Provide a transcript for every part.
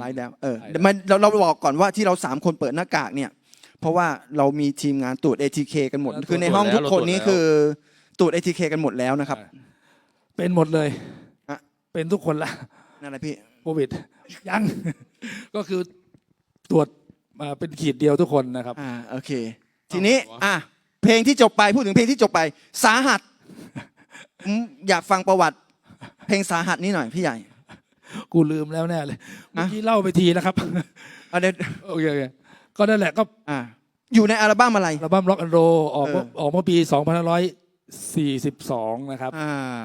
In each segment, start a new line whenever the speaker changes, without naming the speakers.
ไลฟ์แล้วมันเราบอกก่อนว่าที่เรา3คนเปิดหน้ากากเนี่ยเพราะว่าเรามีทีมงานตรวจ ATK กันหมดคือในห้องทุกคนนี้คือตรวจ ATK กันหมดแล้วนะครับ
เป็นหมดเลยเป็นทุกคนละ
นั่นแหละพี่
โควิดยังก็คือตรวจมาเป็นขีดเดียวทุกคนนะครับ
โอเคทีนี้เพลงที่จบไปพูดถึงเพลงที่จบไปสาหัสอยากฟังประวัติเพลงสาหัสนี่หน่อยพี่ใหญ่
กูลืมแล้วแน่เลยเมื่อกี้เล่าไปทีแล้วครับโอเคก็นั่นแหละก็
อยู่ในอัลบั้มอะไร
อัลบั้ม Rock and Roll ออกเมื่อปี2542นะครับ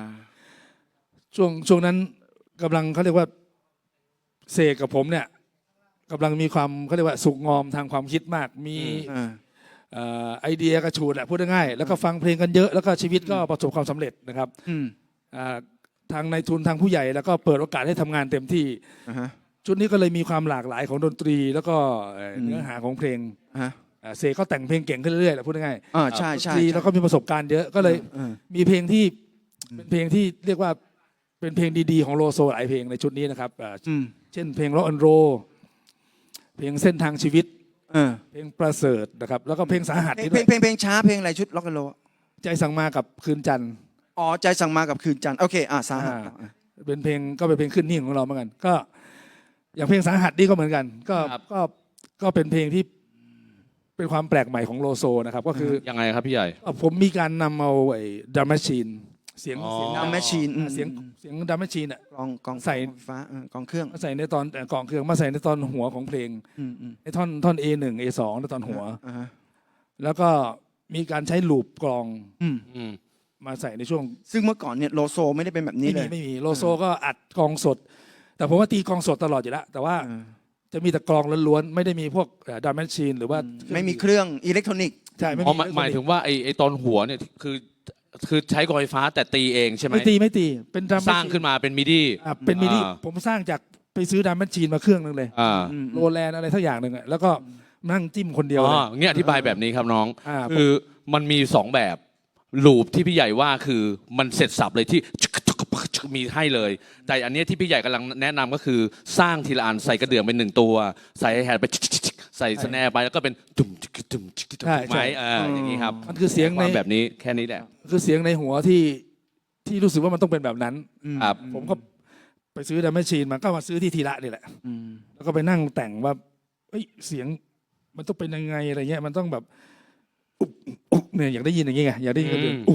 ช่วงนั้นกำลังเขาเรียกว่าเสกกับผมเนี่ยกำลังมีความเขาเรียกว่าสุกงอมทางความคิดมากมีไอเดียกระชูดแหละพูดง่ายๆแล้วก็ฟังเพลงกันเยอะแล้วก็ชีวิตก็ประสบความสำเร็จนะครับทางนายทุนทางผู้ใหญ่แล้วก็เปิดโอกาสให้ทำงานเต็มที่ชุดนี้ก็เลยมีความหลากหลายของดนตรีแล้วก็เนื้อหาของเพลงเสกก็แต่งเพลงเก่งขึ้นเรื่อยๆแหละพูดง่าย
ๆใช่ใช่
แล้วก็มีประสบการณ์เยอะก็เลยมีเพลงที่เป็นเพลงที่เรียกว่าเป็นเพลงดีๆของโลโซหลายเพลงในชุดนี้นะครับเช่นเพลง Rock and Roll เพลงเส้นทางชีวิตเพลงประเสริฐนะครับแล้วก็เพลงสาหัส
เพลงช้าเพลงอะไรชุด Rock and Roll
ใจสั่งมากับคืนจันทร์
ใจสั่งมากับคืนจันทร์โอเคสาหัส
เป็นเพลงก็เป็นเพลงขึ้นหิ่งของเราเหมือนกันก็อย่างเพลงสาหัสนี่ก็เหมือนกันก็เป็นเพลงที่เป็นความแปลกใหม่ของโลโซนะครับก็คือ
ยังไงครับพี่ใหญ่
ผมมีการนำเอาไอ้ดัมแมชชีนเสียง
ดัมแมชชีน
เสียงดัมแมชชีน
กอง
ใส่
ฟ้ากองเครื่อง
ใส่ในตอนกองเครื่องมาใส่ในตอนหัวของเพลงในท่อน A1 A2 ในตอนหัวแล้วก็มีการใช้ลูปกลองมาใส่ในช่วง
ซึ่งเมื่อก่อนเนี่ยโลโซไม่ได้เป็นแบบนี้เลย
ไม่มีโลโซก็อัดกลองสดแต่ผมว่าตีกลองสดตลอดอยู่แล้วแต่ว่าจะมีแต่กลองล้วนๆไม่ได้มีพวกดัมแมชชีนหรือว่า
ไม่มีเครื่องอิเล็กทรอนิกส์
ใช่
หมายถึงว่าไอ้ตอนหัวเนี่ยคือใช้กลองไฟฟ้าแต่ตีเองใช่ไหม
ไม่ตีเป็น
สร้างขึ้นมาเป็นมิดี้
เป็นมิดี้ผมสร้างจากไปซื้อดัมแมชชีนมาเครื่องนึงเลยโรแลนด์อะไรสักอย่างหนึ่งแล้วก็นั่งจิ้มคนเดียว
เนี่ยอธิบายแบบนี้ครับน้องคือมันมี2แบบลูปที่พี่ใหญ่ว่าคือมันเสร็จสับเลยที่มีให้เลยแต่อันนี้ที่พี่ใหญ่กำลังแนะนำก็คือสร้างทีละอันใส่กระเดื่องเป็น1ตัวใส่แฮดไปใส่สแนร์ไปแล้วก็เป็นตุ่มตุ่มไหมอย่างนี้ครับ
มันคือเสียงใน
แบบนี้แค่นี้แหละ
คือเสียงในหัวที่รู้สึกว่ามันต้องเป็นแบบนั้นผมก็ไปซื้อดัมแมชชีนมันก็มาซื้อที่ทีละนี่แหละแล้วก็ไปนั่งแต่งว่าเสียงมันต้องเป็นยังไงอะไรเงี้ยมันต้องแบบเนี่ยอยากได้ยินอย่างเงี้ยอยากได้ยินก็เป็น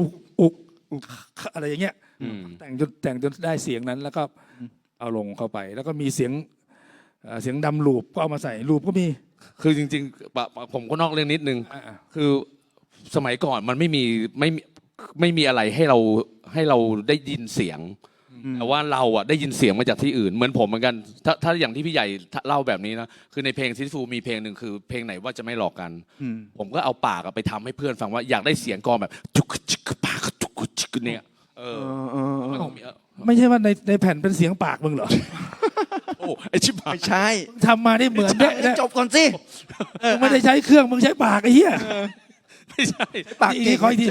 อะไรอย่างเงี้ยแต่งจนได้เสียงนั้นแล้วก็เอาลงเข้าไปแล้วก็มีเสียงดำลูปก็เอามาใส่ลูปก็มี
คือจริงๆผมก็นอกเรื่องนิดนึงคือสมัยก่อนมันไม่มีอะไรให้เราได้ยินเสียงแต่ว่าเราอ่ะได้ยินเสียงมาจากที่อื่นเหมือนผมเหมือนกันถ้าอย่างที่พี่ใหญ่เล่าแบบนี้นะคือในเพลงซิฟูมีเพลงหนึ่งคือเพลงไหนว่าจะไม่หลอกกันผมก็เอาปากไปทำให้เพื่อนฟังว่าอยากได้เสียงกลองแบบจุกจิกปากจุกจิกเนี่ย
ไม่ใช่ว่าในแผ่นเป็นเสียงปากมึงเหรอ
โอ้ไอชิบหาย
ไม่ใช่
ทำมาได้เหมือน
จบก่อนสิ
มึงไม่ได้ใช้เครื่องมึงใช้ปากไอ้เหี้ย
ไม่ใช่
ปากเก่ง
คอยที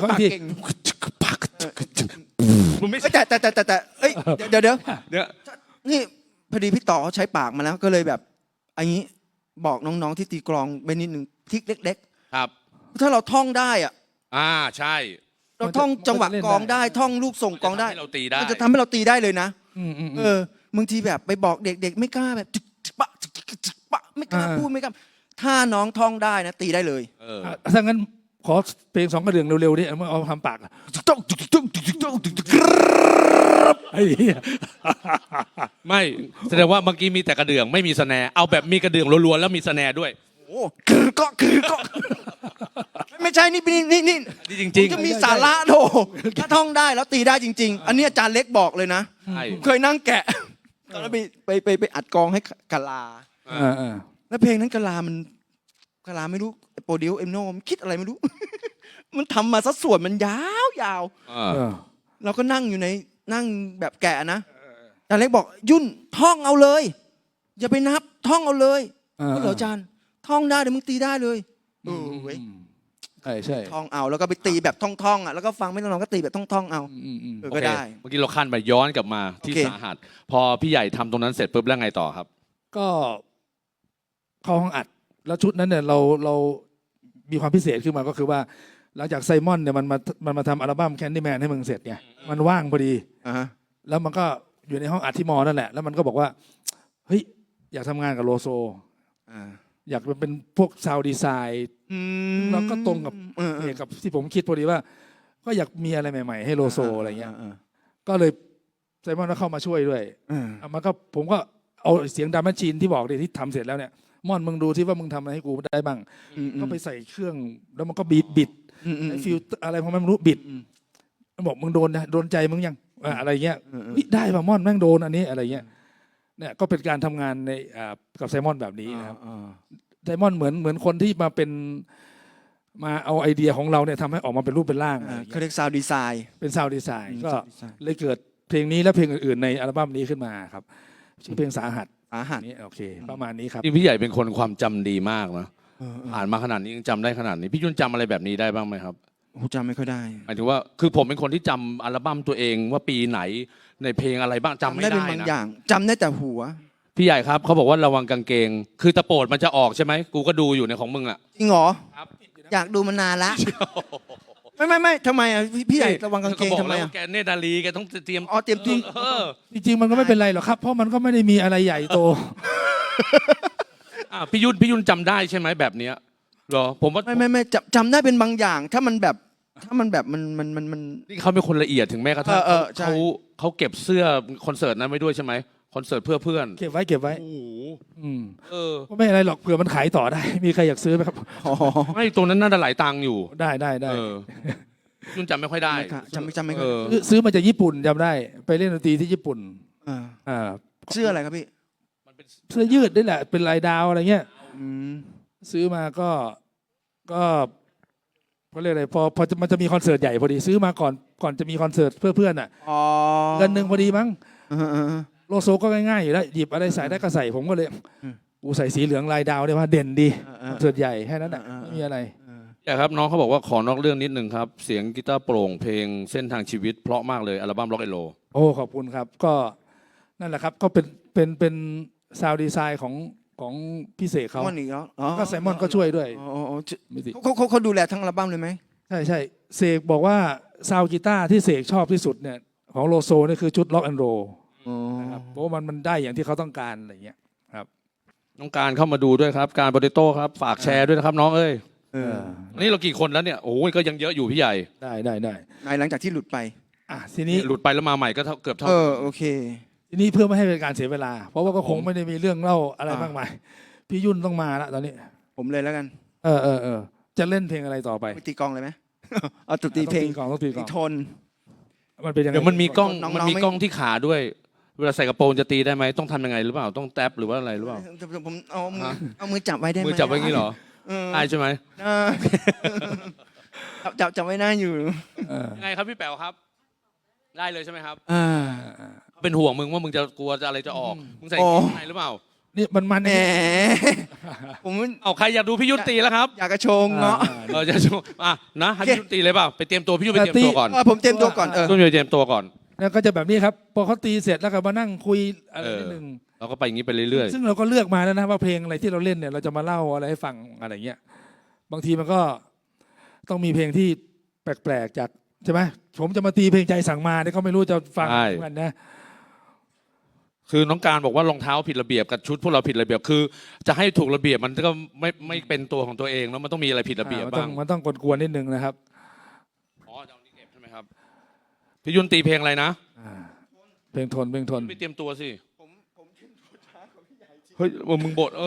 ไม่ใช่แต่เดี๋ยวนี่พอดีพี่ต่อเขาใช้ปากมาแล้วก็เลยแบบอันนี้บอกน้องๆที่ตีกลองไปนิดนึงทิกเล็ก
ๆครับ
ถ้าเราท่องได้
ใช่
เราท่องจังหวะกลองได้ท่องลูกส่งกลองได้มันจะทำให้เราตีได้เลยนะบางทีแบบไปบอกเด็กๆไม่กล้าแบบปะไม่กล้าพูดไม่กล้าถ้าน้องท่องได้นะตีได้เลย
ถ้างั้นขอเพลง2กระเดื่องเร็วๆดิเอาทำปาก
ไม่แสดงว่าเมื่อกี้มีแต่กระเดื่องไม่มีสแนร์เอาแบบมีกระเดื่องล้วนๆแล้วมีสแนร์ด้วย
โอ้คือก็ไม่ใช่นี่
จริง
ๆจะมีสาระโถถ้าท่องได้แล้วตีได้จริงๆอันนี้อาจารย์เล็กบอกเลยนะเคยนั่งแกะแล้วไปอัดกองให้กะลาแล้วเพลงนั้นกะลาไม่รู้โปรดิวเอ็มโนมคิดอะไรไม่รู้มันทำมาสัดส่วนมันยาวเราก็นั่งอยู่ในนั่งแบบแกะนะอาจารย์เล็กบอกยุ่นท่องเอาเลยอย่าไปนับท่องเอาเลยก็เหรออาจารย์ท่องได้เดี๋ยวมึงตีได้เลย
ใช่
ท่องเอาแล้วก็ไปตีแบบท่องแล้วก็ฟังไม่ต้องก็ตีแบบท่องเอาก็ได้
เมื่อกี้เราขั้นไปย้อนกลับมาที่สาหัสพอพี่ใหญ่ทำตรงนั้นเสร็จปุ๊บแล้วไงต่อครับ
ก็เข้าห้องอัด แล้วชุดนั้นเนี่ยเรามีความพิเศษขึ้นมาก็คือว่า หลังจากไซมอนเนี่ยมันมาทำอัลบั้มแคนดี้แมนให้มึงเสร็จไงมันว่างพอดี
อ่าฮะ
แล้วมันก็อยู่ในห้องอัดที่มอนั่นแหละแล้วมันก็บอกว่าเฮ้ยอยากทำงานกับโลโซ
อ่า
อยากเป็นพวกซาวด์ดีไซน์แล้วก็ตรงกับกับที่ผมคิดพอดีว่า ก็อยากมีอะไรใหม่ๆให้โลโซอะไรเงี้ยก็เลยไซมอนก็เข้ามาช่วยด้วยมันก็ผมก็เอาเสียงดัมแมชชีนที่บอกที่ทำเสร็จแล้วเนี่ยม่อนมึงดูที่ว่ามึงทำอะไรให้กูได้บ้างก็ไปใส่เครื่องแล้วมันก็บิดฟิลอะไรของมันไม่รู้บิดบอกมึงโดนใจมึงยังอะไรเงี้ยได้ป่ะม่อนแม่งโดนอันนี้อะไรเงี้ยเนี่ยก็เป็นการทำงานในกับไซมอนแบบนี้นะครับไซมอนเหมือนคนที่มาเอาไอเดียของเราเนี่ยทำให้ออกมาเป็นรูปเป็นร่าง
เขาเรียกซาวด์ดีไซน์
เป็นซาวด์ดีไซน์ก็เลยเกิดเพลงนี้และเพลงอื่นๆในอัลบั้มนี้ขึ้นมาครับชื่อเพลงสาหัสนี่โอเคประมาณนี้ครับ
พี่ใหญ่เป็นคนความจำดีมากนะผ่านมาขนาดนี้ยังจำได้ขนาดนี้พี่ยุ่นจำอะไรแบบนี้ได้บ้างไหมครับ
ผมจำไม่ค่อยได้
หมายถึงว่าคือผมเป็นคนที่จำอัลบั้มตัวเองว่าปีไหนในเพลงอะไรบ้างจำไม่ได้นะ
เป็นบางอย่างจำได้แต่หัว
พี่ใหญ่ครับเขาบอกว่าระวังกางเกงคือตะโปดมันจะออกใช่ไหมกูก็ดูอยู่ในของมึงอ่ะ
จริงเหรอ
ครับ
อยากดูมานานละไม่ทำไมอ่ะพี่ใหญ่ระวังกางเกงทำไมอ่ะ
แกเนตรดาลีแกต้องเตรียม
เตรียมจริง
จริงมันก็ไม่เป็นไรหรอกครับเพราะมันก็ไม่ได้มีอะไรใหญ่โต
พี่ยุ่นจำได้ใช่ไหมแบบเนี้ยหรอผมว่า
ไม่จำได้เป็นบางอย่างถ้ามันแบบมัน
นี่เขาเป็นคนละเอียดถึงแม้กระทั่งเขาเก็บเสื้อคอนเสิร์ตนั้นไว้ด้วยใช่ไหมคอนเสิร์ตเพื่อเพื่อน
เก็บไว้
โอ้โห
ก็ไม่อะไรหรอกเผื่อมันขายต่อได้มีใครอยากซื้อไหมครับ
ไม่ตรงนั้นน่าจะหลายตังค์อยู่
ได้
ยุ่นจำไม่ค่อยได้
จำไม่ค่อย
ซื้อมาจากญี่ปุ่นจำได้ไปเล่นดนตรีที่ญี่ปุ่น
เสื้ออะไรครับพี่
เสื้อยืดนี่แหละเป็นลายดาวอะไรเงี้ยซื้อมาก็เขาเรียกอะไรพอมันจะมีคอนเสิร์ตใหญ่พอดีซื้อมาก่อนจะมีคอนเสิร์ตเพื่อเพื่อนอ่ะเงินหนึ่งพอดีมั้งโลโซก็ง่ายๆอยู่แล้วหยิบอะไรใส่ได้ก็ใส่ผมก็เลยกูใส่สีเหลืองลายดาวได้ว่าเด่นดีคอนเสิร์ตใหญ่แค่นั้นอ่ะไม่มีอะไร
ครับน้องเขาบอกว่าขอนอกเรื่องนิดนึงครับเสียงกีตาร์โปร่งเพลงเส้นทางชีวิตเพราะมากเลยอัลบั้ม Rock and Roll
โอ้ขอบคุณครับก็นั่นแหละครับก็เป็นซาวด์ดีไซน์ของพี่เสกเขาก็ไซมอนก็ช่วยด้วย
เขาดูแลทั้งอัลบั้มเลยไหม
ใช่เสกบอกว่าซาวด์กีตาร์ที่เสกชอบที่สุดเนี่ยของโลโซนี่คือชุด Rock and Roll นะครับเพราะมันได้อย่างที่เขาต้องการอะไรเงี้ยครับ
น้องการเข้ามาดูด้วยครับการโปเตโต้ครับฝากแชร์ด้วยนะครับน้องเอ้ยนี่เรากี่คนแล้วเนี่ยโอ้ยก็ยังเยอะอยู่พี่ใหญ่
ได้
ในหลังจากที่หลุดไป
ทีนี้หลุดไปแล้วมาใหม่ก็เกือบเท่า
โอเค
ทีนี้เพื่อไม่ให้เป็นการเสียเวลาเพราะว่าก็คงไม่ได้มีเรื่องเล่าอะไรมากมายพี่ยุ่นต้องมาละตอนนี้
ผมเลยแล้วกัน
จะเล่นเพลงอะไรต่อไป
ตีกลองเลยไหมเอาตีเพลง
ต้องตี
โทน
มันเป็นยังไงเดี๋ยวมันมีกล้องที่ขาด้วยเวลาใส่กระโปรงจะตีได้ไหมต้องทำยังไงหรือเปล่าต้องแท็บหรือว่าอะไรหรือเปล่า
ผมเอามือจับไว้ได้ไหม
มือจับไว้งี้เหรอได้ใช่ไหม
จับไว้หน้าอยู่
ยังไงครับพี่แป๋วครับได้เลยใช่ไหมครับเป็นห่วงมึงว่ามึงจะกลัวจะอะไรจะออกมึงใส่ยังไงหรือเปล่า
นี่มัน
แหมผม
เอาใครอยากดูพี่ยุ่นตีแล้วครับ
อยากกระโชงเนาะ
จะโชงนะให้พี่ยุ่นตีเลยเปล่าไปเตรียมตัวพี่ยุ่นไปเตรียมตัวก่อน
ผมเตรียมตัวก่อน
ยุ่นไปเตรียมตัวก่อน
แล้วก็จะแบบนี้ครับพอเขาตีเสร็จแล้วก็มานั่งคุยอะไรนิดนึง
เราก็ไปอย่างนี้ไปเรื่อย
ๆซึ่งเราก็เลือกมาแล้วนะว่าเพลงอะไรที่เราเล่นเนี่ยเราจะมาเล่าอะไรให้ฟังอะไรเงี้ยบางทีมันก็ต้องมีเพลงที่แปลกๆจากใช่ไหมผมจะมาตีเพลงใจสั่งมาเนี่ยเขาไม่รู้จะฟังกันนะ
คือน้องการบอกว่ารองเท้าผิดระเบียบกับชุดพวกเราผิดระเบียบคือจะให้ถูกระเบียบมันก็ไม่เป็นตัวของตัวเองแล้วมันต้องมีอะไรผิดระเบียบบ้าง
มันต้องกวนๆนิดนึงนะครับ
จะเอานี่เก็บใช่ไหมครับพี่ยุ่นตีเพลงอะไรนะ
เพลงทน
ไปเตรียมตัวสิผมเฮ้ยมึงบท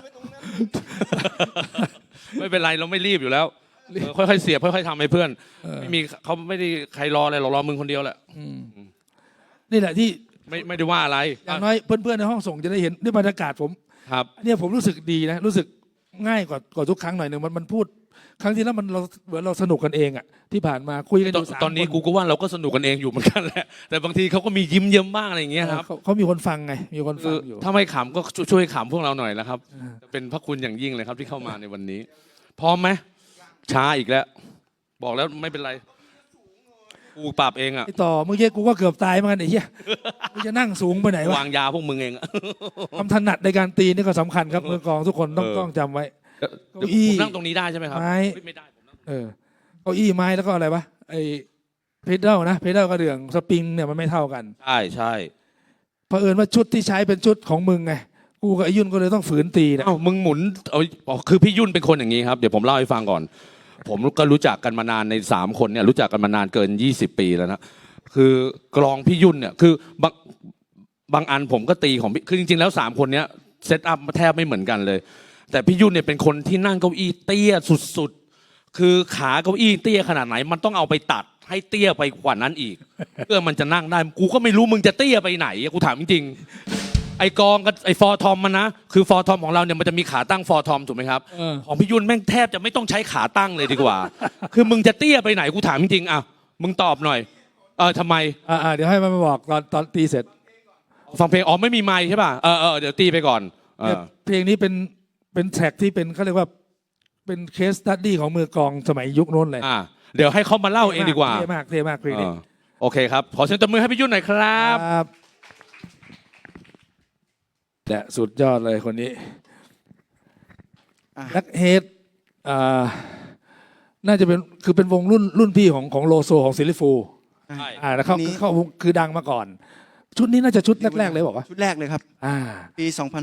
ไม่เป็นไรเราไม่รีบอยู่แล้วค่อยๆเสียบค่อยๆทำให้เพื่อนไม่มีเขาไม่ได้ใครรออะไรรอมึงคนเดียวแหละ
นี่แหละที่
ไม่ได้ว่าอะไร
อย่างน้อยเพื่อนๆในห้องส่งจะได้เห็นด้วยบรรยากาศผม
ครับ
เนี่ยผมรู้สึกดีนะรู้สึกง่ายกว่าทุกครั้งหน่อยหนึ่งมันพูดครั้งที่แล้วมันเราเหมือนเราสนุกกันเองอ่ะที่ผ่านมาคุยกันอยู่3 คน
ตอนนี้กูก็ว่าเราก็สนุกกันเองอยู่เหมือนกันแหละแต่บางทีเขาก็มียิ้มเยิ้มบ้างอะไรอย่างเงี้ยครับ
เขามีคนฟังไงมีคนฟังอยู่
ถ้าไม่ขำก็ช่วยขำพวกเราหน่อยนะครับเป็นพระคุณอย่างยิ่งเลยครับที่เข้ามาในวันนี้พร้อมไหมช้าอีกแล้วบอกแล้วไม่เป็นไรกูปรับเองอ่ะ
ไอ้ต่อเมื่อกี้กูก็เกือบตายเหมือนกันไอ้เหี้ยกูจะนั่งสูงไปไหนวะ
วางยาพวกมึงเองอะ
ความถนัดในการตีนี่ก็สำคัญครับมือกลองทุกคนต้องจำไว้ เก้าอี้
ผมนั่งตรงนี้ได้ใช่ไหมครับ
ไม้
ไม่ได้ผมนั่ง
เก้าอี้ไม้แล้วก็อะไรวะไอ้เพดานนะเพดานกระเดื่องสปริงเนี่ยมันไม่เท่ากัน
ใช่ใช่
เผอิญว่าชุดที่ใช้เป็นชุดของมึงไงกูกับไอ้ยุ่นก็เลยต้องฝืนตีนะ
เอ้ามึงหมุนเอาคือพี่ยุ่นเป็นคนอย่างนี้ครับเดี๋ยวผมเล่าให้ฟังก่อน ผมก็รู้จักกันมานานใน3คนเนี่ยรู้จักกันมานานเกิน20 ปีแล้วนะคือกลองพี่ยุ่นเนี่ยคือบางอันผมก็ตีของพี่คือจริงๆแล้ว3คนเนี้ยเซตอัพแทบไม่เหมือนกันเลย แต่พี่ยุ่นเนี่ยเป็นคนที่นั่งเก้าอี้เตี้ยสุดๆคือขาเก้าอี้เตี้ยขนาดไหนมันต้องเอาไปตัดให้เตี้ยไปกว่านั้นอีก เพื่อมันจะนั่งได้กูก็ไม่รู้มึงจะเตี้ยไปไหนกูถามจริงๆไอกองกับไอฟอร์ทอมมันนะคือฟอร์ทอมของเราเนี่ยมันจะมีขาตั้งฟอร์ทอมถูกไหมครับของพี่ยุ่นแม่งแทบจะไม่ต้องใช้ขาตั้งเลยดีกว่า คือมึงจะเตี้ยไปไหนกูถามจริงๆอ่ะมึงตอบหน่อยทำไม
เดี๋ยวให้มันมาบอกตอนตีเสร็จ
ฟังเพลงอ๋อไม่มีไมค์ใช่ป่ะเดี๋ยวตีไปก่อน
เนี่ยเพลงนี้เป็นแท็กที่เป็นเขาเรียกว่าเป็นเคสตัดดี้ของมือกลองสมัยยุคโน้นเลย
เดี๋ยวให้เขามาเล่าเองดีกว่า
เท่มากเพลงนี้
โอเคครับขอเสียงตบมือให้พี่ยุ่นหน่อยครับ
เนี่ยสุดยอดเลยคนนี้
อ่ะ
แบล็คเฮดน่าจะเป็นวงรุ่นพี่ของโลโซของซิลลิฟู
ใช่
แล้วเขาคือดังมาก่อน ชุดนี้น่าจะชุดแรกๆเลยบอกว่า
ชุดแรกเลยครับ ปี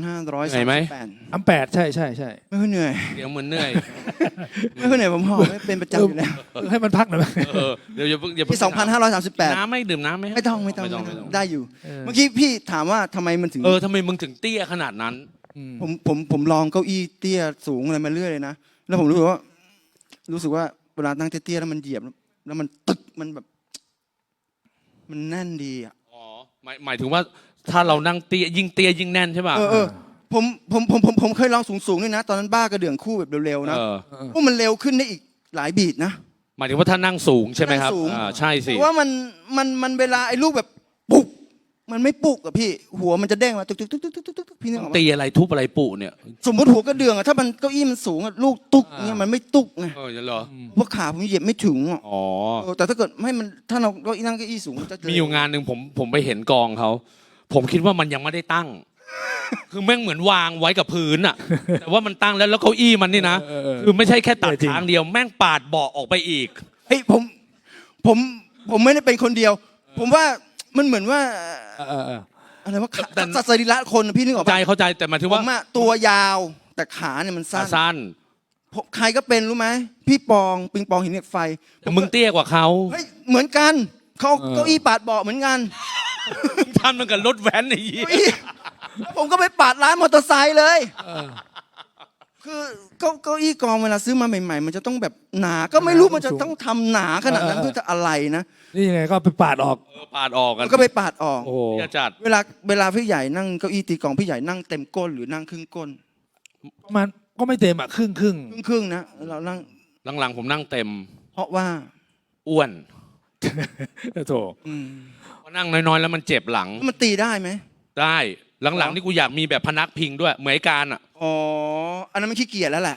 2538
อัม8ใช่
ไม่ค่อยเหนื่อย
เดี๋ยวเหมือนเหนื่อย
ไม่ค่อยเหนื่อยผมหอบไม่เป็นประจำอยู่แล้ว
ให้มันพักหน่อยไหม
เดี๋ยวอย่า
ปี 2538
น้ำไม่ดื่มน้ำไหม
ไม่ต้องได้อยู่ เมื่อกี้พี่ถามว่าทำไมมันถึง
ทำไมมึงถึงเตี้ยขนาดนั้น
ผมลองเก้าอี้เตี้ยสูงอะไรมาเรื่อยเลยนะ แล้วผมรู้สึกว่าเวลานั่งเตี้ยๆแล้วมันเหยียบแล้วมันตึกมันแบบ มันแน่นดีอ่ะ
อ๋อหมายถึงว่าถ้าเรานั่งเตี้ยยิ่งแน่นใช่ป่ะ
ผมเคยลองสูงๆด้วยนะ ตอนนั้นบ้ากระเดื่องคู่แบบเร็วๆนะพวกมันเร็วขึ้นได้อีกหลายบีทนะ
หมายถึงว่าถ้านั่งสูงใช่ไหมครับ
นั่งสูง
ใช่สิ
เพราะว่ามันเวลาไอ้ลูกแบบปุกมันไม่ปุกอะพี่ หัวมันจะเด้งมาตึกพี่นึกออกไหม
ตีอะไรทุบอะไรปุเนี่ย
สมมติหัวกระเดื่องอะถ้ามันเก้าอี้มันสูงอะลูกตุกเนี่ยมันไม่ตุกไง
เหรอ
เพราะขาผมเหยียบไม่ถึงอะ
อ๋อ
แต่ถ้าเกิดไม่มันถ้าเรานั่งเก้าอี้สูงมันจะ
มีอยู่งานหนึ่งผมไปเห็นกองเขาผมคิดว่ามันยังไม่ได้ตั้ง คือแม่งเหมือนวางไว้กับพื้นอะแต่ว่ามันตั้งแล้วเก้าอี้มันนี่นะคือไม่ใช่แค่ตัดทางเดียวแม่งปาดเบาะออกไปอีก
เฮ้ยผมไม่ได้เป็นคนเดียว ผมว่ามันเหมือนว่าอะไรว่าสัตว์สรีระคนอะพี่นึกออกปะ
เข้าใจแต่หมายถึง
ผ
ว่าม
อะตัวยาวแต่ขาเนี่ยมันสั้น
สั้น
ใครก็เป็นรู้ไหมพี่ปองปิงปองหินเหล็กไฟ
แต่มึงเตี้ยกว่าเขา
เฮ้ยเหมือนกันเขาเก้าอี้ปาดเบาะเหมือนกัน
ทำมันกับรถแว้นไอ้เหี้ย
เก้าอี้ผมก็ไปปาดร้านมอเตอร์ไซค์เลยคือเก้าอี้กองเวลาซื้อมาใหม่ๆ มันจะต้องแบบหนาก็ไม่รู้มันจะต้องทำหนาขนาดนั้นเพื่อจะอะไรนะ
นี่ยังไงก็ไปปาดออก
ปาดออกกัน
ก็ไปปาดออก
โอ้
อย่าจัด
เวลาพี่ใหญ่นั่งเก้าอี้ตีกลองพี่ใหญ่นั่งเต็มก้นหรือนั่งครึ่งก้น
มันก็ไม่เต็มครึ่ง
ครึ่งนะเรานั่ง
หลังๆผมนั่งเต็ม
เพราะว่า
อ้วน
โถ
พอนั่งน้อยๆแล้วมันเจ็บหลัง
มันตีได้ไหม
ได้หลังๆนี่กูอยากมีแบบพนักพิงด้วยเหมือนไอ้การอ่ะ
อ๋ออันนั้นมันขี้เกียจแล้วแหละ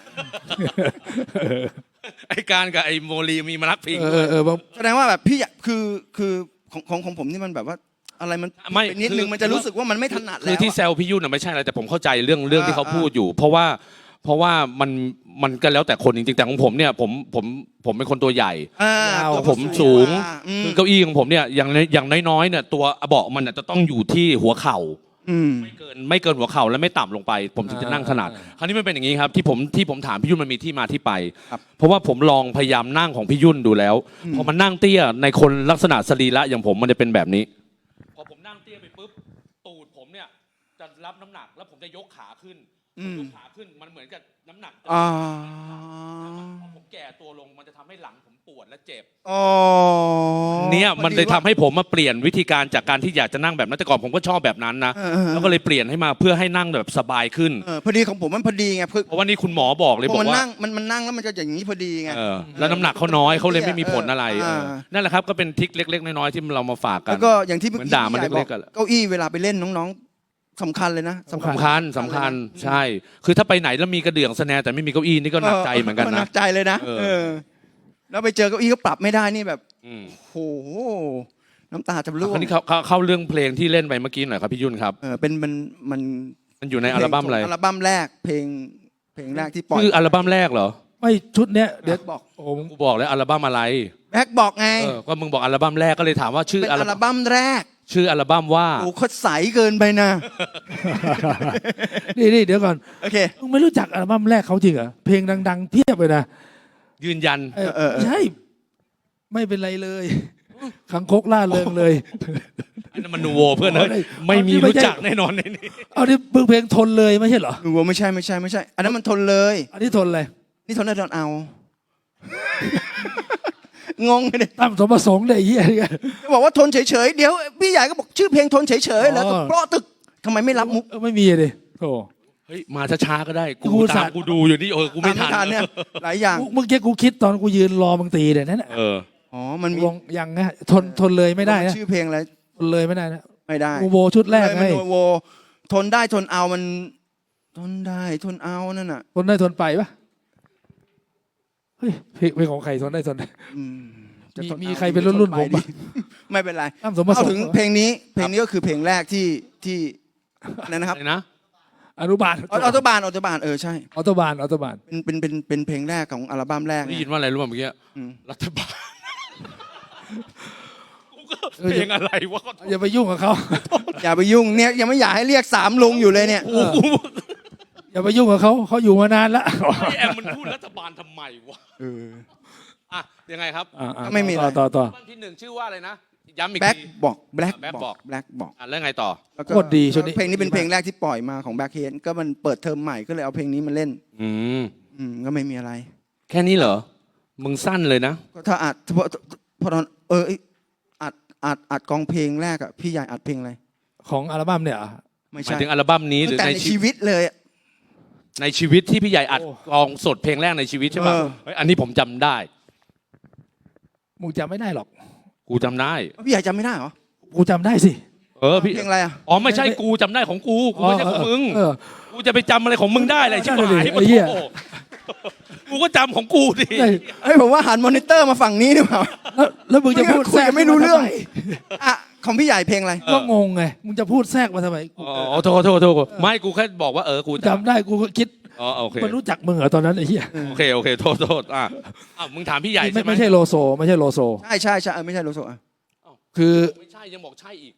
ไอ้การกับไอ้โมลีมีพนักพิง
แสดงว่าแบบพี่คือของผมนี่มันแบบว่าอะไรมัน
ไม่
เป็นนิดนึงมันจะรู้สึกว่ามันไม่ถนัด
คื
แล้
อ
ว
ที่แซวพี่ยุ่นน่ะไม่ใช่อะไรแต่ผมเข้าใจเรื่องที่เขาพูดอยู่ เพราะว่ามันก็แล้วแต่คนจริงๆแต่ของผมเนี่ยผมเป็นคนตัวใหญ่
ตัว
ผมสูง
อืม
คือเก้าอี้ของผมเนี่ยอย่างน้อยๆเนี่ยตัวเบาะมันน่ะจะต้องอยู่ที่หัวเข่า ไม่เกินหัวเข่าและไม่ต่ำลงไป ผมถึงจะนั่งถนัดคราวนี้มันเป็นอย่างนี้ครับที่ผมถามพี่ยุ่นมันมีที่มาที่ไป เพราะว่าผมลองพยายามนั่งของพี่ยุ่นดูแล้วพอมันนั่งเตี้ยในคนลักษณะสรีระอย่างผมมันจะเป็นแบบนี้พอผมนั่งเตี้ยไปปุ๊บตูดผมเนี่ยจะรับน้ำหนักแล้วผมจะยกขาขึ้นยกขาขึ้นมันเหมือนกับน้ำหนักจะ พอผมแก่ตัวลงมันจะทำให้หลังผมปวดและเจ็บเนี่ยมันเลยทำให้ผมมาเปลี่ยนวิธีการจากการที่อยากจะนั่งแบบนั้นแต่ก่อนผมก็ชอบแบบนั้นนะแล้วก็เลยเปลี่ยนให้มาเพื่อให้นั่งแบบสบายขึ้น
พอดีของผมมันพอดีไง
เพราะว่านี่คุณหมอบอกเลยบอกว่า
มันนั่งแล้วมันจะอย่างนี้พอดีไง
แล้วน้ำหนักเขาน้อยเขาเลยไม่มีผลอะไรนั่นแหละครับก็เป็นทริคเล็กๆน้อยๆที่เรามาฝากกัน
แล้วก็อย่างที่
เหมือนด่ามันเล็กๆกัน
เก้าอี้เวลาไปเล่นน้องๆสำคัญเลยนะ
สำคัญใช่ คือถ้าไปไหนแล้วมีกระเดื่องสแนร์แต่ไม่มีเก้าอี้นี่ก็หนักใจเหมือนกัน
ห
นะ
นักใจเลยนะแล้วไปเจอเก้าอี้ก็ปรับไม่ได้นี่แบบโอ้โหน้ำตาจะร่ว
คราง วนี้เข้าเรื่องเพลงที่เล่นไปเมื่อกี้หน่อยครับพี่ยุ่นครับ
เป็นมัน
มันอยู่ในอัลบั้มอะไร
อัลบั้มแรกเพลงแรกที่ปล่อย
คืออัลบั้มแรกเหรอ
ไม่ชุดเนี้ยเดี๋ยว
บอก
โอ้
กูบอกแล้วอัลบั้มอะไร
แบ็คบอกไง
ก็มึงบอกอัลบั้มแรกก็เลยถามว่าชื่อ
เป็น
อัล
อัลบั้มแรก
ชื่ออัลบั้มว่า
โอ้โหเขาใสเกินไปนะ
นี่เดี๋ยวก่อน
โอเค
มึงไม่รู้จักอัลบั้มแรกเขาจริงเหรอเพลงดังๆเพียบเลยนะ
ยืนยัน
ใช่ไม่เป็นไรเลยขังคกล่าเริงเลย
อันนั้นมันนูโวเพื่อนเลยไม่มีรู้จักแน่นอนในนี้
เอาที่มึงเพลงทนเลยไม่ใช่เหรอ
หนูว่าไม่ใช่อันนั้นมันทนเลย
อันนี้ทนเลย
นี่ทนได้ทนเอา งงเลย
ตามสมประสงค์เลยไอ้เหี้ย
จะบอกว่าทนเฉยๆเดี๋ยวพี่ใหญ่ก็บอกชื่อเพลงทนเฉยๆแล้วก็เพราะตึกทำไมไม่รับมุก
ไม่มีเลยโอ้
เฮ้ยมาช้าๆก็ได้
กู
กู
สา
ตามกูดูอยู่นี่กูไม่ทัน
เนี่ยหลายอย่าง
เมื่อกี้กูคิดตอนกูยืนรอมึงตีเนี่ยนั่นแหละ
อ๋อมันมี
ลงยังนะทนเลยไม่ได้นะ
ชื่อเพลงอะไร
ทนเลยไม่ได้นะ
ไม่ได้
กูโวชุดแรก
เลย
ไง
มันโวทนได้ทนเอามันทนได้ทนเอานั่นน่ะ
ทนได้ทนไปปะเฮ้ยเพลงของใครทนได้ทน
อืมจะทน
มี
เอา
ใครเป็นรุ่นๆผมปะ
ไม่เป็นไร
ตามสมประส
เอา
ง
ถึง
ค์
เพลงนี้ก็คือเพลงแรกที่อะไรนะครับ
อะไรนะ
อนุบาล
ออโตบานใช่
ออโตบานออโตบาน
เป็นเพลงแรกของอัลบั้มแรก
ได้ยินว่าอะไรรู้ป่ะเมื่อกี้
อืม
รัฐบาลกูก็เพลงอะไรวะ
อย่าไปยุ่งกับเขา
อย่าไปยุ่งเนี่ยยังไม่อยากให้เรียกสามลุงอยู่เลยเนี่ย
อย่าไปยุ่งกับเขาอยู่มานานแล้ว
ไอแอมมันพูดรัฐบาลทำไมวะอ่ะยังไงครับ
ไม่มีอะไร
ต่อ
อัลบั้มที่หนึ่งชื่อว่าอะไรนะย้ำอีก
แบ็ค
ที
บอกแบล็ค
Black
บอกแบล็คบอก
แล้วไงต่อ
แล้วก็
โคตรดีชุดนี้
เพลงนี้เป็นเพลงแรกที่ปล่อยมาของแบ็คเฮดก็มันเปิดเทอมใหม่ก็เลยเอาเพลงนี้มาเล่น
อืม
ก็ไม่มีอะไร
แค่นี้เหรอมึงสั้นเลยนะ
ก็ถ้าอัดพอตอนอัดกองเพลงแรกอ่ะพี่ใหญ่อัดเพลงอะไร
ของอัลบั้มเนี่ยเหรอ
ไม่
หมาย
ใช่
ถึงอัลบั้มนี้หรือ
แต่
ใน
ใน
ชี
ชี
วิต
วิตเลยอะ
ในชีวิตที่พี่ใหญ่อัด
โอ้
กองสดเพลงแรกในชีวิตใช่ป่ะ
เออ
เฮ้ยอันนี้ผมจำได้
มึงจำไม่ได้หรอก
กูจำได้
พี่ใหญ่จำไม่ได้เหรอ
กูจำได้สิ
พี่
เพลงอะไรอ่ะ
อ๋อไม่ใช่กูจำได้ของกูไม่ใช่ของมึง
เออ
กูจะไปจำอะไรของมึงได้เลยชิบ
นั่น
หา
น่ะ
ย
ดิไอ้เหี้ย
โอ้โหกูก็จำของกูดิ
เฮ้ย
เฮ้ยผมว่าหันมอนิเตอร์มาฝั่งนี้ดีกว่า
แล้วมึงจะพูด
คุยกันไม่รู้เรื่อง
ทำไม
อ่ะของพี่ใหญ่เพลงอะไร
ก็งงไงมึงจะพูดแทรกมาทำไมกู
อ๋อโทษไม่กูแค่บอกว่ากู
จำได้กูก็คิด
อ๋อโอเค
มันรู้จักมึงเหรอตอนนั้นไอ้เหี้ย
โอเคโทษอ่ะอ้าวมึงถามพี่ใหญ่
ไม่
ใช่ไหม
ไม่ใช่โลโซไม่ใช่โลโซ
ใช่ไม่ใช่โลโซอ่ะ
คือ
ไม่ใช่ยังบอกใช่อีก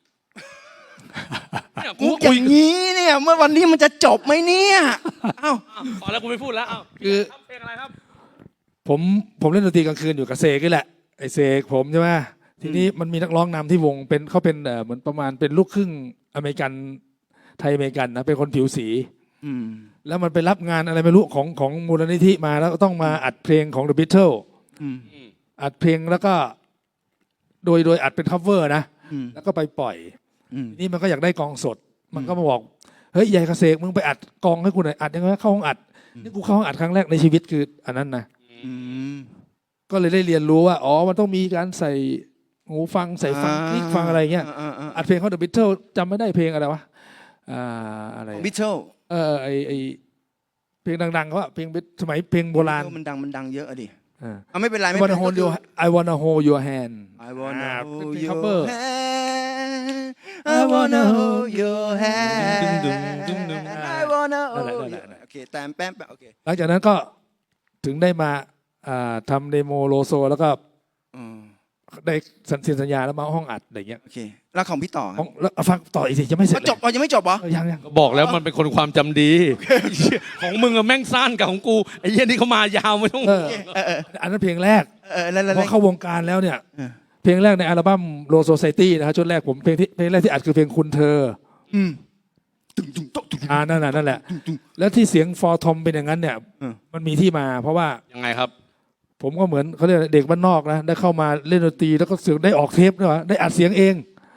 กูอย่างนี้เนี่ยเมื่อวันนี้มันจะจบไหมเนี่ยเอ้า
พอแล้วกูไม่พูดแล้วอ้าว
คือ
เพลงอะไรครับ
ผมเล่นดนตรีกลางคืนอยู่กับเซกนี่แหละไอเซกผมใช่ไหมทีนี้มันมีนักร้องนำที่วงเขาเป็นเหมือนประมาณเป็นลูกครึ่งอเมริกันไทยอเมริกันนะเป็นคนผิวสี แล้วมันไปรับงานอะไรไม่รู้ของมูลนิธิมาแล้วก็ต้องมาอัดเพลงของ The Beatles อัดเพลงแล้วก็โดยอัดเป็น cover นะแล้วก็ไปปล่อยนี่มันก็อยากได้กองสด มันก็มาบอกเฮ้ยใหญ่เกษตรมึงไปอัดกองให้กูหน่อยอัดยังไงเข้าห้องอัดนี่กูเข้าห้องอัดครั้งแรกในชีวิตคืออันนั้นนะก็เลยได้เรียนรู้ว่าอ๋อมันต้องมีการใส่หูฟังใส่ฟังคลิกฟังอะไรเงี้ยอัดเพลงเขา The Beatles จำไม่ได้เพลงอะไรวะอะไร
บิทเทิล
ไอเพลงดังๆเขาอะเพลงสมัยเพลงโบราณ
มันดังเยอะอะดิไม่เป็นไร
I
ไม่เป็น
wanna
ไร
hold your I wanna hold your hand
I wanna
เป็น
hold
เพลง
your
cover
hand I wanna hold your hand I wanna hold your โอเคแต้มแป๊มโอเค
หลังจากนั้นก็ถึงได้มาทำเดโมโลโซแล้วก็ได้เซ็นสัญญาแล้วมาห้องอัดอะไรเงี้ย
โอเคแล้วของพี่ต่อครับ
แล้วฟังต่ออีกสิยังไม่เสร็จ
มันจบยังไม่จบเหรอ
ยัง
ก็บอกแล้วมันเป็นคนความจำดี ของมึงอะแม่งสั้นกับของกูไอ้เหี้ยนี่เขามายาวไม่ต้อง
อันนั้นเพลงแรก
แล้ว
พอเข้าวงการแล้วเนี่ยเพลงแรกในอัลบั้มโลโซไซตี้นะครับชุดแรกผมเพลงแรกที่อัดคือเพลงคุณเธอนั่นแหละแล้วที่เสียงฟอร์ทอมเป็นอย่างนั้นเนี่ยมันมีที่มาเพราะว่า
ยังไงครับ
ผมก็เหมือนเขาเรียกเด็กบ้านนอกนะได้เข้ามาเล่นดนตรีแล้วก็เสียงได้ออกเทปด้วยวะได้อัดเสียงเอง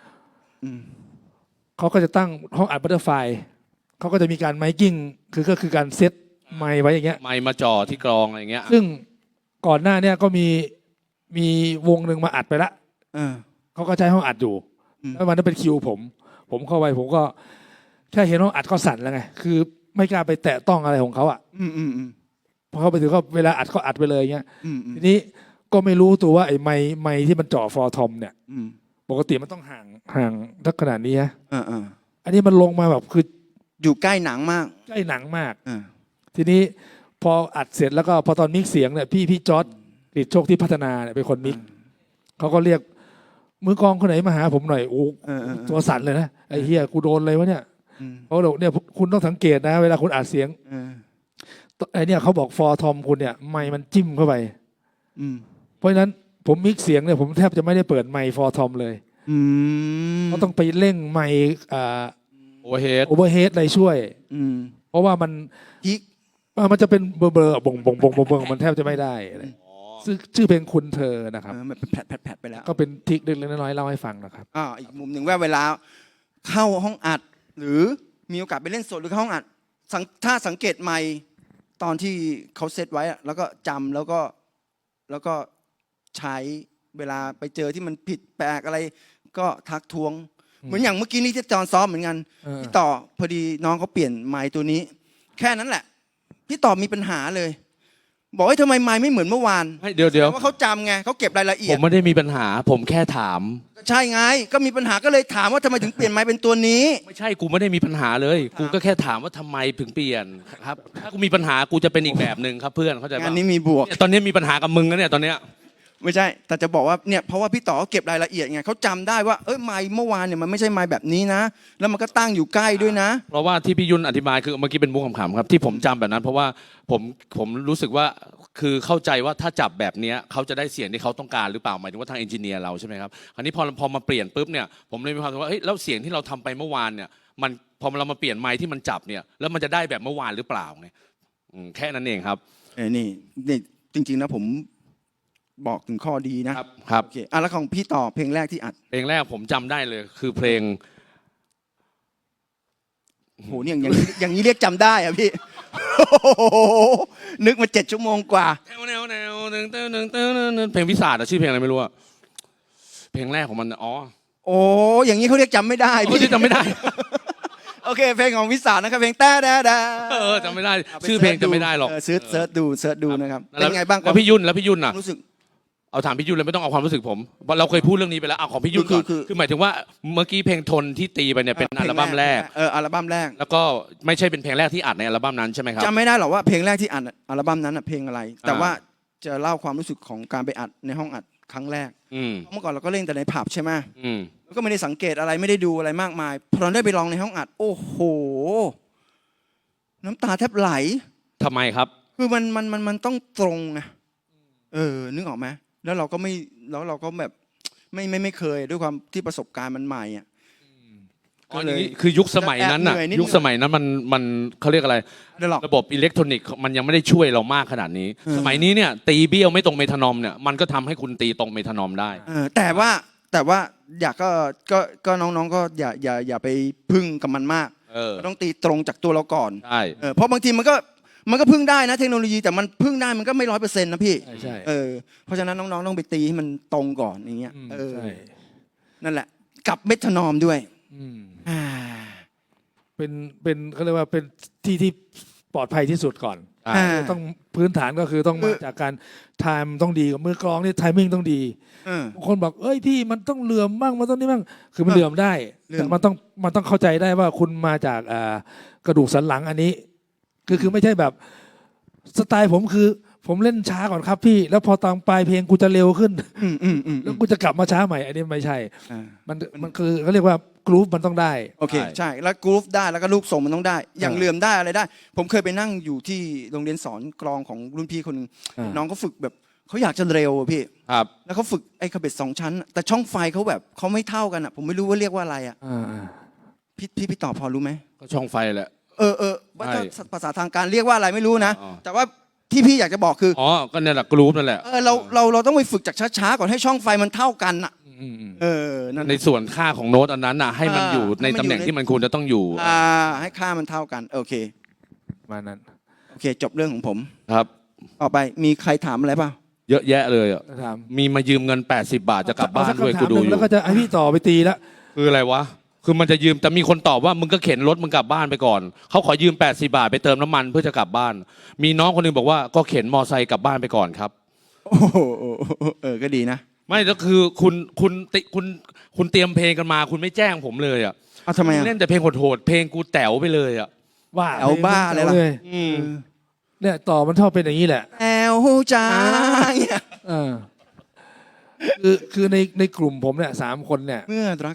เขาก็จะตั้งห้องอัดบัตเตอร์ไฟเขาก็จะมีการไมค์กิ้งก็คือการเซตไมค์ไว้อย่างเงี้ย
ไมค์มาจ่อที่กรองอะไรอย่างเงี้ย
ซึ่งก่อนหน้าเนี่ยก็มีวงหนึ่งมาอัดไปละเขาก็ใช้ห้องอัดอยู่แล้ววันนั้นเป็นคิวผมเข้าไปผมก็แค่เห็นห้องอัดก็สั่นแล้วไงคือไม่กล้าไปแตะต้องอะไรของเขาอ่ะพอเข้าไปถึงก็เวลาอัดก็อัดไปเลยเงี้ยทีนี้ก็ไม่รู้ตัวว่าไอ้ไม้ที่มันเจาะฟอร์ทอมเนี่ย
อืม
ปกติมันต้องห่างทักขนาดนี้ฮะ
อ่า
อันนี้มันลงมาแบบคือ
อยู่ใกล้หนังมาก
ใกล้หนังมาก
อ่า
ทีนี้พออัดเสร็จแล้วก็พอตอนมิกเสียงเนี่ยพี่จอร์ดกฤษโชคที่พัฒนาเนี่ยเป็นคนมิกเขาก็เรียกมือกลองคนไหนมาหาผมหน่อยโอ้ตัวสั่นเลยนะไอ้เฮียกูโดนเลยวะเนี่ยเขาบอกเนี่ยคุณต้องสังเกตนะเวลาคุณอัดเสียงไอ้เนี่ยเขาบอกฟอร์ทอมคุณเนี่ยไมค์มันจิ้มเข้าไปเพราะฉะนั้นผมมิกเสียงเนี่ยผมแทบจะไม่ได้เปิดไมค์ฟอร์ทอมเลยเขาต้องไปเร่งไมค์
โอเวอร์เฮด
โอเวอร์เฮดอะไรช่วยเพราะว่ามันจะเป็นเบอร์บ่งมันแทบจะไม่ได้อะไรชื่อเพลงคุณเธอนะครับ
มันแผดไปแล้ว
ก็เป็นทริคเล็กๆน้อยๆเล่าให้ฟังนะครับ
อีกมุมหนึ่งว่าเวลาเข้าห้องอัดหรือมีโอกาสไปเล่นสดหรือเข้าห้องอัดถ้าสังเกตไมค์ตอนที่เขาเซตไว้แล้วก็จำแล้วก็ใช้เวลาไปเจอที่มันผิดแปลกอะไรก็ทักท้วงเหมือนอย่างเมื่อกี้นี้ที่ตอนซ้อมเหมือนกันพี่ต่อพอดีน้องเขาเปลี่ยนไมค์ตัวนี้แค่นั้นแหละพี่ต่อมีปัญหาเลยบอกว่าทำไมไมค์ไม่เหมือนเมื่อวาน
เดี๋ยว
ว่าเขาจำไงเขาเก็บรายละเอียด
ผมไม่ได้มีปัญหาผมแค่ถาม
ใช่ไงก็มีปัญหาก็เลยถามว่าทำไมถึงเปลี่ยนไมค์เป็นตัวนี้
ไม่ใช่กูไม่ได้มีปัญหาเลยกูก็แค่ถามว่าทำไมถึงเปลี่ยนครับถ้ากูมีปัญหากูจะเป็นอีกแบบหนึ่งครับเพื่อนเข้าใจป่ะ
อันนี้มีบวก
ตอนนี้มีปัญหากับมึงนะเนี่ยตอนเนี้ย
ไม่ใช่แต่จะบอกว่าเนี่ยเพราะว่าพี่ต่อเก็บรายละเอียดไงเขาจำได้ว่าไมค์เมื่อวานเนี่ยมันไม่ใช่ไมค์แบบนี้นะแล้วมันก็ตั้งอยู่ใกล้ด้วยนะ
เพราะว่าที่พี่ยุ่นอธิบายคือเมื่อกี้เป็นมุกขำๆครับที่ผมจำแบบนั้นเพราะว่าผมรู้สึกว่าคือเข้าใจว่าถ้าจับแบบนี้เขาจะได้เสียงที่เขาต้องการหรือเปล่าหมายถึงว่าทางเอนจิเนียร์เราใช่ไหมครับคราวนี้พอมาเปลี่ยนปุ๊บเนี่ยผมเลยมีความรู้สึกว่าเฮ้ยแล้วเสียงที่เราทำไปเมื่อวานเนี่ยมันพอเรามาเปลี่ยนไมค์ที่มันจับเนี่ยแล้วมันจะได้แบบเมื่อวานหรือเปล่าไงแค่นั้นเองครับ
นี่จริงๆนะผมบอกถึงข้อดีนะครับโอเคแล้วของพี่ต่อเพลงแรกที่อัด
เพลงแรกผมจำได้เลยคือเพลง
โหเนี่ยอย่างนี้เรียกจำได้อะพี่นึกมา7 ชั่วโมงกว่า
แนวเพลงพิศาจชื่อเพลงอะไรไม่รู้อะเพลงแรกของมัน
โอ้อย่างนี้เขาเรียกจำไม่ได้
พี่จำไม่ได้
โอเคเพลงของพิศาจนะครับเพลงแต่
จำไม่ได้ชื่อเพลงจำไม่ได้หรอก
เสิร์ชดูนะครับเป็นไงบ้าง
แล้วพี่ยุ่นน่ะ
รู้สึก
เอาถามพี่ยุ่นเลยไม่ต้องเอาความรู้สึกผมเราเคยพูดเรื่องนี้ไปแล้วเอาของพี่ยุ่นก่อนคือหมายถึงว่าเมื่อกี้เพลงทนที่ตีไปเนี่ยเป็นอัลบั้มแรก
อัลบั้มแรก
แล้วก็ไม่ใช่เป็นเพลงแรกที่อัดในอัลบั้มนั้นใช่ไหมครับ
จำไม่ได้หรอกว่าเพลงแรกที่อัดอัลบั้มนั้นเพลงอะไรแต่ว่าจะเล่าความรู้สึกของการไปอัดในห้องอัดครั้งแรกเมื่อก่อนเราก็เล่นแต่ในผับใช่ไหมแล้วก็ไม่ได้สังเกตอะไรไม่ได้ดูอะไรมากมายพอเราได้ไปลองในห้องอัดโอ้โหน้ำตาแทบไหล
ทำไมครับ
คือมันต้องตรงไงนึกออกไหมแล้วเราก็แบบไม่เคยด้วยความที่ประสบการณ์มันใหม่อ่ะ
คือยุคสมัยนั้นน่ะยุคสมัยนั้นมันเขาเรียกอะไรระบบอิเล็กทรอนิกส์มันยังไม่ได้ช่วยเรามากขนาดนี้สมัยนี้เนี่ยตีเบี้ยวไม่ตรงเมทานอมเนี่ยมันก็ทำให้คุณตีตรงเมทานอมได้
แต่ว่าอยากก็น้องๆก็อย่าไปพึ่งกับมันมากต้องตีตรงจากตัวเราก่อน
ใช่
เพราะบางทีมันก็พึ่งได้นะเทคโนโลยีแต่มันพึ่งได้มันก็ไม่100%นะพี่
ใช่
เพราะฉะนั้นน้องๆต้องไปตีให้มันตรงก่อนอย่างเงี้ยนั่นแหละกับเมทานอมด้วย
เป็นเขาเรียกว่าเป็นที่ปลอดภัยที่สุดก่อนต้องพื้นฐานก็คือต้องมาจากการไทม์ต้องดีกับมือกลองนี่ไทมิ่งต้องดีบางคนบอกเอ้ยพี่มันต้องเหลื่อมบ้างมันต้องนี่บ้างคือมันเหลื่อมได้แต่มันต้องเข้าใจได้ว่าคุณมาจากกระดูกสันหลังอันนี้คือไม่ใช่แบบสไตล์ผมคือผมเล่นช้าก่อนครับพี่แล้วพอตอนปลายเพลงกูจะเร็วขึ้นแล้วกูจะกลับมาช้าใหม่อันนี้ไม่ใช่มันคือเขาเรียกว่ากรุ๊ปมันต้องได้
โอเคใช่แล้วกรุ๊ปได้แล้วก็ลูกส่งมันต้องได้อย่างเหลื่อมได้อะไรได้ผมเคยไปนั่งอยู่ที่โรงเรียนสอนกลองของรุ่นพี่คนนึงน้องเขาฝึกแบบเขาอยากจะเร็วพี่
ครับ
แล้วเขาฝึกไอ้คาเบ็ด2 ชั้นแต่ช่องไฟเขาแบบเขาไม่เท่ากันอ่ะผมไม่รู้ว่าเรียกว่าอะไรอ่ะพี่ตอบพอรู้ไหม
ก็ช่องไฟแหละ
ว่าภาษาทางการเรียกว่าอะไรไม่รู้นะแต่ว่าที่พี่อยากจะบอกคือ
ก็เนี่ยแหละกรุ๊ปนั่นแหละ
เราต้องไปฝึกจากช้าๆก่อนให้ช่องไฟมันเท่ากันอ่ะ
ในส่วนค่าของโน้ตอันนั้นน่ะให้มันอยู่ในตำแหน่งที่มันควรจะต้องอยู่
ให้ค่ามันเท่ากันโอเค
มานั้น
โอเคจบเรื่องของผม
ครับ
ต่อไปมีใครถามอะไรป่ะ
เยอะแยะเลยมีมายืมเงิน80 บาทจะกลับบ้านด้วยกูดูอยู่
แล้วก็จะให้พี่ต่อไปตีแล้ว
คืออะไรวะคือมันจะยืมแต่มีคนตอบว่ามึงก็เข็นรถมึงกลับบ้านไปก่อนเขาขอยืม80 บาทไปเติมน้ำมันเพื่อจะกลับบ้านมีน้องคนนึงบอกว่าก็เข็นมอไซค์กลับบ้านไปก่อนครับ
โอ้โหก็ดีนะ
ไม่แล้วคือคุณเตรียมเพลงกันมา คุณไม่แจ้งผมเลยอ่ะ
ทำไม
เล่นแต่เพลงโหดๆเพลงกูแต๋วไปเลยอ่ะ
ว่า
เอาบ้าอะไรล่ะ
เนี่ยต่อมันชอบเป็นอย่างนี้แหละ
แอลจ้าเนี่ย
เออคือในกลุ่มผมเนี่ย3 คนเนี่ย
เมื่อรัก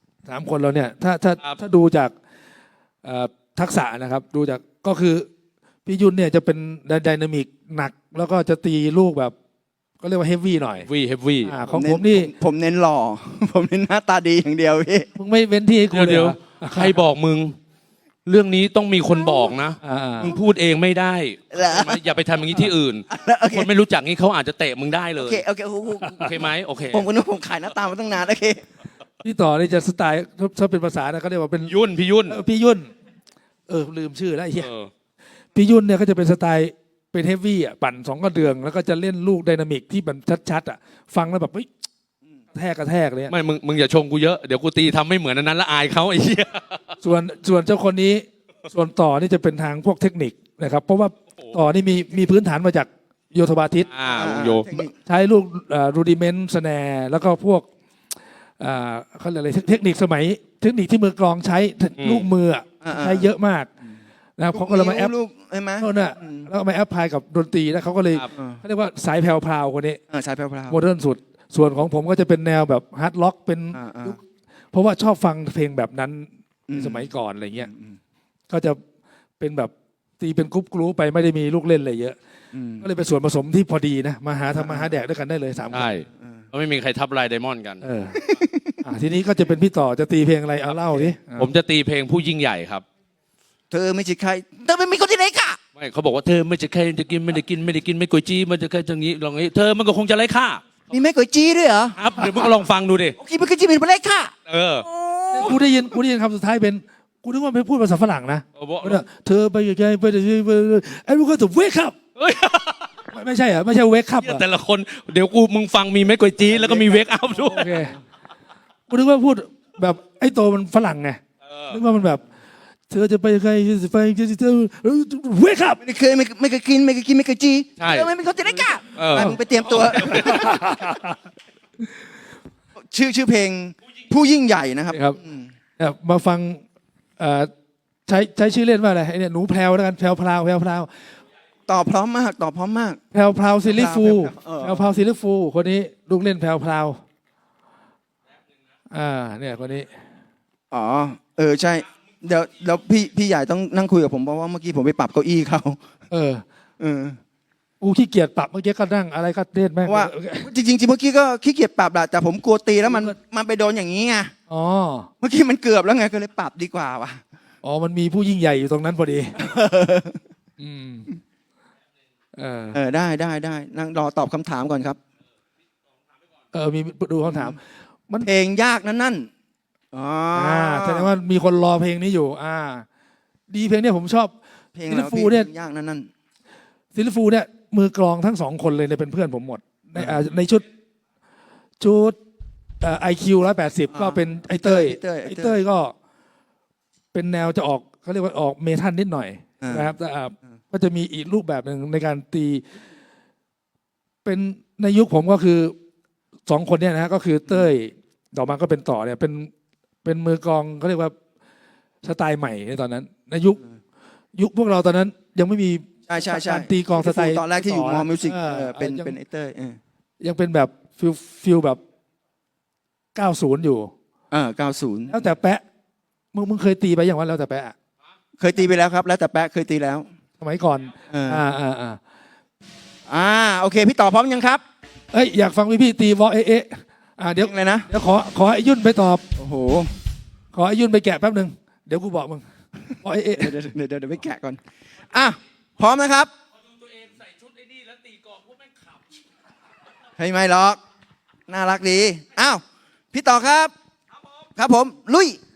3 คนเราเนี่ยถ้าดูจากทักษะนะครับ ดูจากก็คือพี่ยุนเนี่ยจะเป็นไดนามิกหนัก แล้วก็จะตีลูกแบบก็เรียกว่าเฮฟวี่หน่อย
เฮฟวี่
ของผมนี่
ผมเน้นหล่อ ผมเน้นหน้าตาดีอย่างเดียวพี่
มึงไม่เว้นที่ให้กูเลย
เดี๋ยว
เหรอ
ใครบอกมึง เรื่องนี้ต้องมีคนบอกนะ มึงพูดเองไม่ได้
เหรอ
อย่าไปทำอย่างนี้ที่อื่น
โอเค
คนไม่รู้จักนี่เขาอาจจะเตะมึงได้เล
โอย เคโอเค
โอเคไหมโอเค
ผมก็นึกผมขายหน้าตามาตั้งนานโอเค
พี่ต่อนี่จะสไตล์ถ้าเป็นภาษานะเขาเรียกว่าเป็น
พี่ยุ่น
พี่ยุ่นลืมชื่อแล้วไอ้เหี้ย
เออ
พี่ยุ่นเนี่ยก็จะเป็นสไตล์เป็นเฮฟวี่อ่ะปั่น2 กระเดืองแล้วก็จะเล่นลูกไดนามิกที่มันชัดๆอ่ะฟังแล้วแบบเฮ้ยกระแทกเลยอะ
ไม่มึงอย่าชมกูเยอะเดี๋ยวกูตีทำไม่เหมือนอันนั้นแล้วอายเขาไอ้เหี้ย
ส่วนเจ้าคนนี้ส่วนต่อนี่จะเป็นทางพวกเทคนิคนะครับเพราะว่าต่อนี่มีพื้นฐานมาจากโยธบาทิต
โย
ใช้ลูกรูดิเมนต์สแนร์แล้วก็พวกเขาเรียกอะไรเทคนิคสมัยเทคนิคที่มือกลองใช้ลูกมืออะใช้เยอะมากนะครับเขาก็เลยมาแอป
ลูกใช่ไหม
โน่นน่ะแล้วก็มาแอปพลายกับดนตรีแล้วเขาก็เลยเขาเรียกว่าสายแพรวๆคนนี้
สายแพรว
โมเดิร์นสุดส่วนของผมก็จะเป็นแนวแบบฮาร์ดล็อกเป็นเพราะว่าชอบฟังเพลงแบบนั้นสมัยก่อนอะไรเงี้ยก็จะเป็นแบบตีเป็นกรุ๊ปไปไม่ได้มีลูกเล่นอะไรเยอะก็เลยเป็นส่วนผสมที่พอดีนะมาหาแดกด้วยกันได้เลย3 คน
ใช่ก็ไม่มีใครทับลายไดมอนด์กัน
ทีนี้ก็จะเป็นพี่ต่อจะตีเพลงอะไรเอาเล่าดิ
ผมจะตีเพลงผู้ยิ่งใหญ่ครับ
เธอไม่ใช่ใครเธอไม่มีคนที่ไหนค่ะ
ไม่เขาบอกว่าเธอไม่จะใครจะกินไม่ได้กินไม่กุยจี้มันจะแค่อย่างนี้ลองนี้เธอมันก็คงจะไร้ค่า
มีแม่ก๋วยจี้ด้วยเหรอ
ครับเดี๋ยวมึงก็ลองฟังดูดิ
โอเคแม่ก๋วยจี้เป็นอะไรค่ะ
เออ
กูได้ยินคำสุดท้ายเป็นกูนึกว่าเป็นพูดภาษาฝรั่งนะเธอไปยังไงไปไอ้พวกก็จะเวคับไม่ใช่เหรอไม่ใช่เวคับ
แต่ละคนเดี๋ยวมึงฟังมีแม่กุยจี้แล้วก็มีเวกอัพด้วย
โอเคกูนึกว่าพูดแบบไอ้โตมันฝรั่งไงนึกว่ามันแบบเธอจะไปยังไงจะไปเธอเวคับ
ไม่เคยกินไม่เคยจี้
ใช่
เธอไม่มีคนที่ไหนค่ะไปมึงไปเตรียมตัว ชื่อเพลงผู้ยิ่งใหญ่นะครับ
ครับมาฟังใช้ชื่อเล่นว่าอะไรไอ้เนี่ยหนูแพรวแล้วกันแพรว
ตอบพร้อมมาก
แพรวซิลลี่ฟู
เออ
แพรวซิลลี่ฟูคนนี้ลูกเล่นแพรวเนี่ยคนนี้
อ๋อใช่เดี๋ยวพี่ใหญ่ต้องนั่งคุยกับผมเพราะว่าเมื่อกี้ผมไปปรับเก้าอี้เขา
เออ
เออ
กูขี้เกียจปรับเมื่อกี้ก็นั่งอะไรก็เล่นแม่ง
เพราะว่าจริงๆเมื่อกี้ก็ขี้เกียจปรับแหละแต่ผมกลัวตีแล้วมันไปโดนอย่างนี้ไง
อ๋อ
เมื่อกี้มันเกือบแล้วไงก็เลยปรับดีกว่าว่ะ
อ๋อมันมีผู้ยิ่งใหญ่อยู่ตรงนั้นพอดี
ได้นั่งรอตอบคำถามก่อนครับ
มีดูคำถาม
เพลงยากนั่น
แสดงว่ามีคนรอเพลงนี้อยู่ดีเพลงนี้ผมชอบ
เพลง
ซิลฟูเนี่ย
ยากนั่น
ซิลฟูเนี่ยมือกลองทั้ง2 คนเลยเนี่ยเป็นเพื่อนผมหมดในชุดIQ 180ก็เป็นไอเต้ยก็เป็นแนวจะออกเขาเรียกว่าออกเมทัลนิดหน่อยนะครับก็จะมีอีกรูปแบบหนึ่งในการตีเป็นในยุคผมก็คือ2 คนเนี่ยนะก็คือเต้ยต่อมาก็เป็นต่อเนี่ยเป็นมือกลองเขาเรียกว่าสไตล์ใหม่ในตอนนั้นในยุคพวกเราตอนนั้นยังไม่มี
ใช่
การตีกลองสไตล์
ตอนแรกที่อยู่มอมิวสิกเป็น
ยัง
ไอเต้ย
ยังเป็นแบบฟิลแบบ90อยู่
90
แล้วแต่แปะมึงเคยตีไปอย่างว่าแล้วแต่แปะ
เคยตีไปแล้วครับ แล้วแต่แปะเคยตีแล้ว
สมัยก่อน
โอเคพี่ต่อพร้อมยังครับ
อยากฟังพี่ตีวอเอะเดี๋ยว
เลยนะ
เดี๋ยวขอไอ้ยุ่นไปตอบ
โอ้โห
ขอไอ้ยุ่นไปแกะแป๊บนึงเดี๋ยวกูบอกมึงวอเอะ
เดี๋ยวไปแกะก่อนพร้อมนะครับ
ตัวเองใส่ชุดไอ้นี่แล้วตีกลองพวกแม่งขับ
ไม่หรอกน่ารักดีพี่ต่อครับครับผมลุย